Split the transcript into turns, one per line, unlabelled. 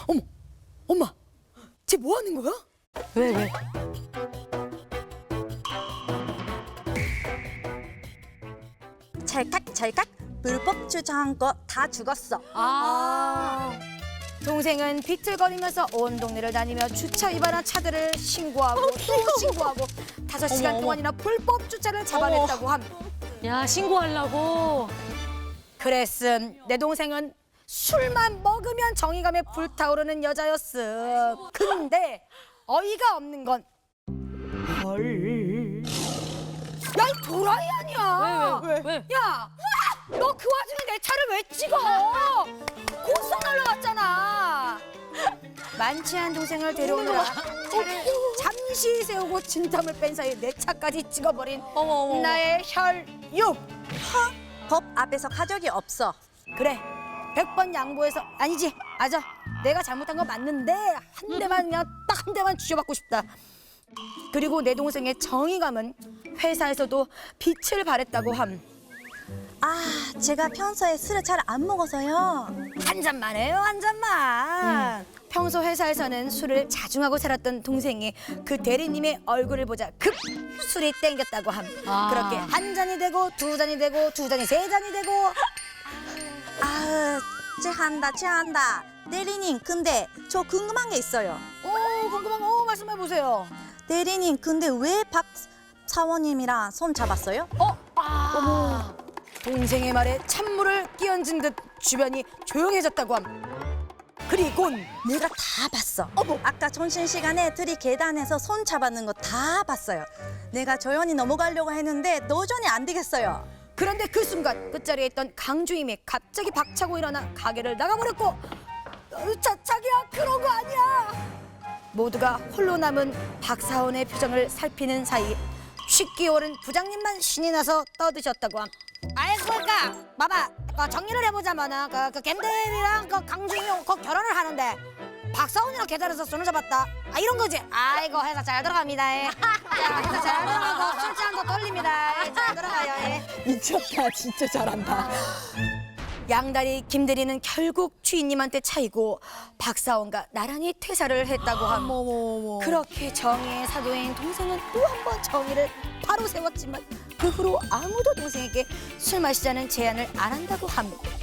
어머, 엄마, 쟤 뭐 하는 거야?
왜?
찰칵찰칵 불법 주차한 거 다 죽었어.
동생은 비틀거리면서 온 동네를 다니며 주차 위반한 차들을 신고하고 또 신고하고 5시간 동안이나 불법 주차를 잡아냈다고 함.
야, 신고하려고.
그랬음 내 동생은 술만 먹으면 정의감에 불타오르는 여자였음. 근데 어이가 없는 건 헐. 야, 이 도라이 아니야.
왜?
야, 너 그 와중에 내 차를 왜 찍어? 고속 날라갔잖아. 만취한 동생을 데려오느라 차를 잠시 세우고 진땀을 뺀 사이 내 차까지 찍어버린
어머.
나의 혈육.
법 앞에서 가족이 없어.
그래, 100번 양보해서 아니지, 맞아. 내가 잘못한 건 맞는데 한 대만 그냥 딱 한 대만 쥐어받고 싶다. 그리고 내 동생의 정의감은 회사에서도 빛을 발했다고 함.
제가 평소에 술을 잘 안 먹어서요.
한 잔만 해요, 한 잔만. 평소 회사에서는 술을 자중하고 살았던 동생이 그 대리님의 얼굴을 보자 급 술이 땡겼다고 함. 그렇게 한 잔이 되고 두 잔이 되고 두 잔이 세 잔이 되고.
취한다. 대리님, 근데 저 궁금한 게 있어요.
궁금한 거 말씀해 보세요.
대리님, 근데 왜 박 사원님이랑 손 잡았어요?
어머. 동생의 말에 찬물을 끼얹은 듯 주변이 조용해졌다고 함. 그리곤
내가 다 봤어. 아까 점심시간에 둘이 계단에서 손 잡았는 거 다 봤어요. 내가 조용히 넘어가려고 했는데 도저히 안 되겠어요.
그런데 그 순간 끝자리에 있던 강주임이 갑자기 박차고 일어나 가게를 나가버렸고, 자기야, 그런 거 아니야. 모두가 홀로 남은 박사원의 표정을 살피는 사이 쉽게 오른 부장님만 신이 나서 떠드셨다고 함. 아이고, 그러니까 봐봐, 정리를 해보자면은 그 갬들이랑 그 강주임이 곧 결혼을 하는데 박사원이랑 계단에서 손을 잡았다. 이런 거지. 아이고, 회사 잘 들어갑니다. 예. 자, 회사 잘 들어가고 술잔도 돌립니다. 예, 잘 들어가요. 예.
미쳤다. 진짜 잘한다.
양다리 김대리는 결국 주인님한테 차이고 박사원과 나란히 퇴사를 했다고 함. 그렇게 정의의 사도인 동생은 또 한 번 정의를 바로 세웠지만 그 후로 아무도 동생에게 술 마시자는 제안을 안 한다고 함.